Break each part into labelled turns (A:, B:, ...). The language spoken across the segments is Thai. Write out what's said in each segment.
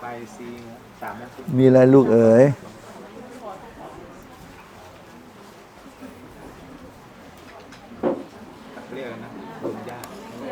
A: ไปซี3 นาที
B: มีอะไรลูกเอ๋ย
A: เรียกนะรวมญาติ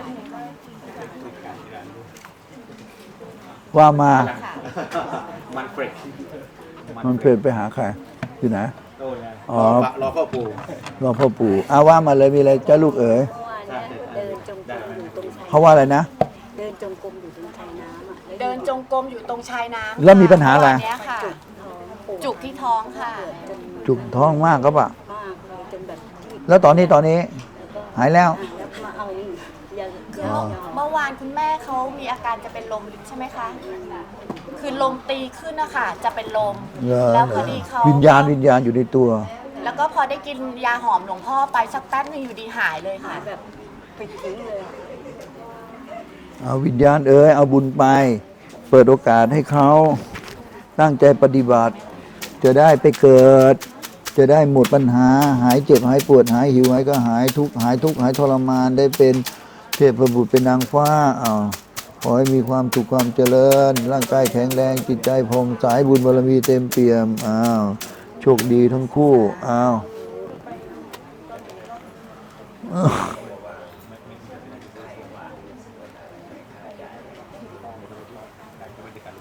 B: ว่ามา
A: มันเฟรช
B: มันเปลี่ยนไปหาใครอยู่ไหน
A: โอ้ย
B: อ๋อ
A: รอพ่อปู่
B: รอพ่อปู่ว่ามาเลยมีอะไรจ้าลูกเอ๋ย
C: เมื่อวานเนี่ยเดินจงกรมอยู่ตรงชาย
B: เขาว่าอะไรนะ
C: เดินจงกรมอยู่ตรงชายน้ำอ่ะ
D: เดินจงกรมอยู่ตรงชายน้ำ
B: แล้วมีปัญหาอะไร
D: วันเนี้ยค่ะ จุกที่ท้องค่ะ
C: จน
B: จุกท้องมากก็ปะ
C: มากเลยจนแบบที่
B: แล้วตอนนี้หายแล้ว
C: แล้วมาเอายา
D: คือเมื่อวานคุณแม่เขามีอาการจะเป็นลมใช่ไหมคะ คือลมตีขึ้นนะคะจะเป็นลม แล้วพอดีเขา
B: วิญญาณอยู่ในตัว
D: แล้วก็พอได้กินยาหอมหลวงพ่อไปสักแป๊บนึงอยู่ดีหายเลยค่ะ
C: แบบปิดทิ้งเลย
B: เอาวิญญาณเอ๋ยเอาบุญไป เปิดโอกาสให้เขาตั้งใจปฏิบัติ จะได้ไปเกิด จะได้หมดปัญหา หายเจ็บหายปวดหายหิวหายก็หายทุกข์หายทรมานได้เป็นเทพบุตรเป็นนางฟ้าขอให้มีความสุขความเจริญ ร่างกายแข็งแรงจิตใจผ่องใสบุญบารมีเต็มเปี่ยมโชคดีทั้งคู่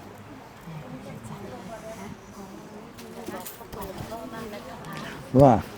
B: ว่า